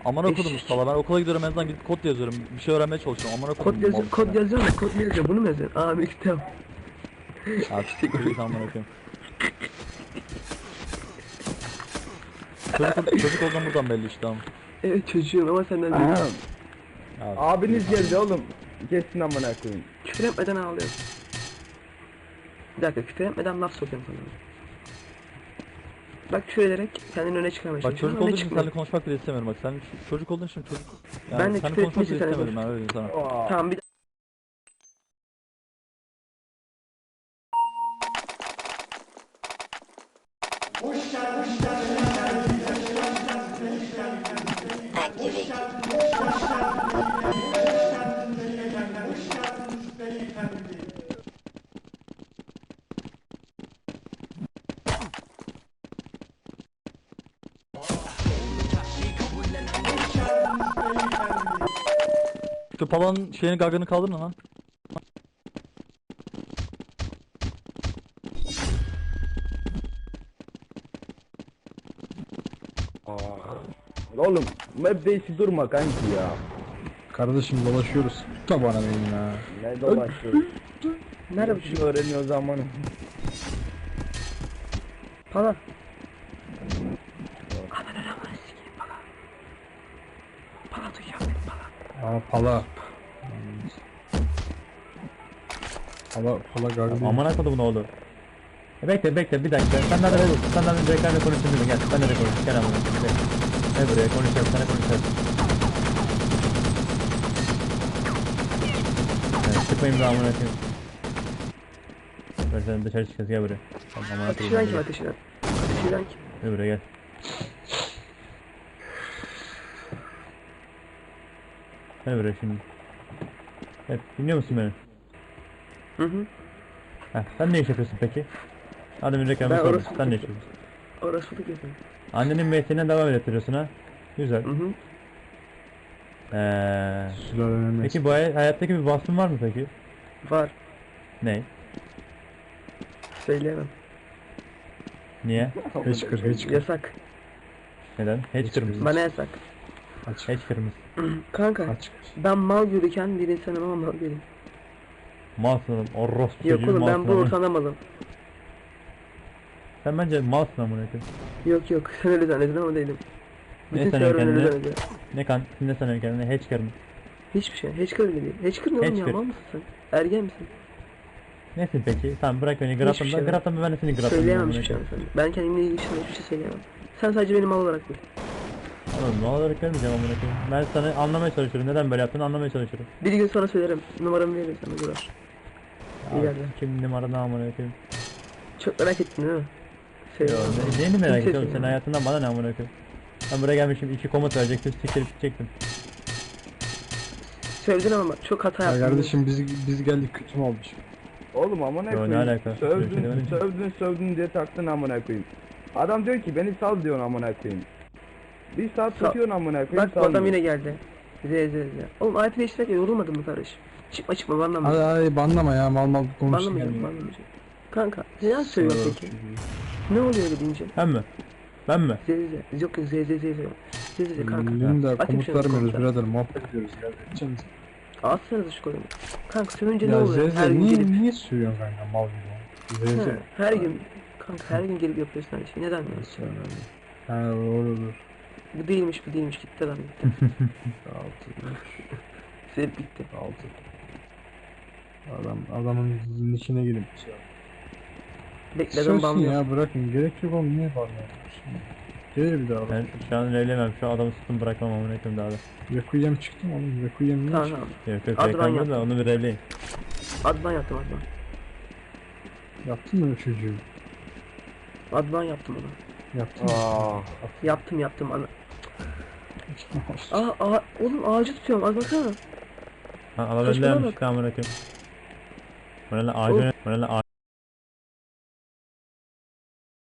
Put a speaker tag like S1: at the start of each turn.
S1: Aman okudum Mustafa, ben okula gidiyorum, en azından gidip kod yazıyorum. Bir şey öğrenmeye çalışıyorum. Aman okudum.
S2: Kod yazıyorum da kod ne yazıyor? Bunu mu yazıyorsun? Aa miktar.
S1: Artık çocuk aman okuyayım. Çocuk olduğum buradan belli işte ama.
S2: Evet çocuğum ama senden değil.
S1: Abi,
S3: Abiniz geldi oğlum. Geçsin amına koyayım.
S2: Küfür etmeden ağlıyorum. Bir dakika küfür etmeden laf sokuyorum sana. Bak küfür ederek kendini öne çıkarmaya
S1: Bak
S2: çalışıyorum.
S1: çocuk
S2: Öne
S1: olduğun için
S2: çıkmıyor.
S1: seninle konuşmak bile istemiyorum bak. Sen çocuk olduğun için çocuk. Yani
S2: Ben de
S1: seninle
S2: küfür
S1: konuşmak bile
S2: etmeyince
S1: istemedim ben, öyle diyeyim sana.
S3: Aa.
S2: Tamam bir
S1: Şu palanın şeyini, gagını kaldırın lan.
S3: Oğlum map değişi durma kanki ya.
S4: Kardeşim dolaşıyoruz. Tut da bana benim ya.
S3: Ne dolaşıyoruz?
S2: nerede bu
S3: Şunu
S2: çocuk?
S3: öğreniyor zamanı.
S2: Pala. Aman aman sikeyim pala. Pala duyacağım beni pala.
S4: Aa pala. Pala gardı.
S1: Aman akıllı bu ne oldu? Bekle bir dakika. Sen nerede olur? Sen nerede direklerle konuşayım dedim. Gel ben nereye konuşayım? Gel amına koyayım. Gel buraya konuşalım. Sana konuşalım. Evet, çıkmayayım da amına koyayım. Böyle sen dışarı çıkacağız, gel buraya. Tamam, amına
S2: Ateşilen
S1: koyayım.
S2: kim ateşilen? Ateşilen kim?
S1: Gel buraya gel. Gel buraya şimdi. Evet, dinliyor musun beni?
S2: Hı.
S1: Heh, sen ne iş yapıyorsun peki? Hadi bir reklamı
S2: Ben
S1: sordum.
S2: orası-
S1: Sen ne iş yapıyorsun?
S2: Orası da güzel.
S1: Annenin mesleğine devam ettiriyorsun ha? Güzel.
S2: Hı.
S4: Sülalenin
S1: Peki bu hayattaki bir vasfın var mı peki?
S2: Var.
S1: Ne?
S2: Söyleyemem.
S1: Niye?
S4: Hiç kır.
S2: Yasak.
S1: Neden? Hiç kırmızı.
S2: Bana yasak.
S4: Aç.
S1: Hiç kırmızı.
S2: Kanka
S4: Aç.
S2: ben mal yürüken bir insanım ama mal değilim.
S1: Malsın, orospu
S2: Yok
S1: çocuğu
S2: oğlum ben
S1: malsın
S2: bu
S1: ama.
S2: ortamda malım.
S1: Sen bence malsın amına koyayım.
S2: Yok sen öyle zannedin ama değilim.
S1: Ne
S2: Bütün
S1: sanıyorsun
S2: server öyle
S1: kendine?
S2: zannediyor.
S1: Ne sanıyorsun kendine? Hiç kırmızı.
S2: Hiçbir şey. Hacker bile değil. Hacker ne oğlum ya?
S1: Hacker.
S2: Mal mısın sen? Ergen misin?
S1: Nesin peki? Tamam bırak beni
S2: Hiçbir
S1: Grafton'da.
S2: şey yok.
S1: Grafton'da ben de seni Grafton'da.
S2: Söyleyemem hiçbir şey sana. Ben kendimle ilgili hiçbir şey söyleyemem. Sen sadece benim mal olarak bil.
S1: Oğlum ne olarak görmeyeceğim amına koyayım. Ben sana anlamaya çalışıyorum. Neden böyle yaptığını anlamaya çalışıyorum.
S2: Bir gün sonra söylerim. Numaramı veririm sana Durar. İleride.
S1: Kim numaranı amına koyayım.
S2: Çok merak ettin değil mi?
S1: Yo,
S2: Söyle.
S1: neyini merak
S2: Kimse
S1: ediyorum, senin
S2: söyleme.
S1: hayatından bana ne amına koyayım. Ben buraya gelmişim, 2 komut verecektim, siktirip gidecektim.
S2: Söyledin ama bak, çok hata
S4: Ya
S2: yaptın.
S4: kardeşim biz geldik kötü mü olmuş?
S3: Oğlum amına
S1: Yo, ne
S3: koyayım.
S1: alaka? Öyle bir şey demedim ki.
S3: Sövdün diye taktın amına koyayım. Adam diyor ki beni sal diyorsun amına koyayım. Bir saat tutuyorsun amına koyayım.
S2: Bak bu adam yine geldi. Z. Oğlum ayet değiştirirken yorulmadın mı kardeş? Çıkma banlama.
S4: Hadi banlama ya mal konuşsun
S2: Banlamayacağım
S4: yani.
S2: banlamayacağım. Kanka neden söylüyorsun peki? Ne oluyor öyle deyince?
S1: Ben mi? Ben mi?
S2: Z. Yok Z. Kanka.
S4: Linda
S2: Atayım
S4: komut
S2: şunu
S4: vermiyoruz
S2: komutlara.
S4: birader muhabbet ediyoruz ya. Edeceğiz.
S2: Atsanıza şu kolumu. Kanka sövünce ne
S4: Ya
S2: oluyor? Her
S4: Zeze
S2: gün gelip.
S4: niye sürüyorsun kanka mal gibi?
S2: Ha,
S4: Zeze.
S2: her gün. Kanka her gün gelip yapıyorsun her şeyi. Neden ya?
S4: Ha olur.
S2: Bu değilmiş gitti adam gitti.
S4: 6
S2: Sevip gitti.
S4: 6 adamın içine girip
S2: Bekle adam
S4: Sönsün
S2: banlıyor.
S4: ya bırakın gerek yok oğlum niye banlıyorsun? Gelir bir daha bak.
S1: Ben şu an evlenemem, şu adamı sıktım bırakmam amına koyayım daha da.
S4: Requiem çıktı mı oğlum? Requiem ne?
S2: Tamam.
S1: Yok
S2: Adnan
S1: reklamda
S2: yaptı.
S1: da onu bir evleyin.
S2: Adnan yaptım Adnan.
S4: Yaptın mı çocuğu?
S2: Adnan yaptım onu.
S4: Yaptın mı?
S2: Yaptım ana. Oğlum ağacı tutuyorum az baksana.
S1: Ha, ala
S2: Saçmalama
S1: benden
S2: bak.
S1: çıktı amına koyayım. Bana lan
S2: Oğlum.
S1: ağacı, bana lan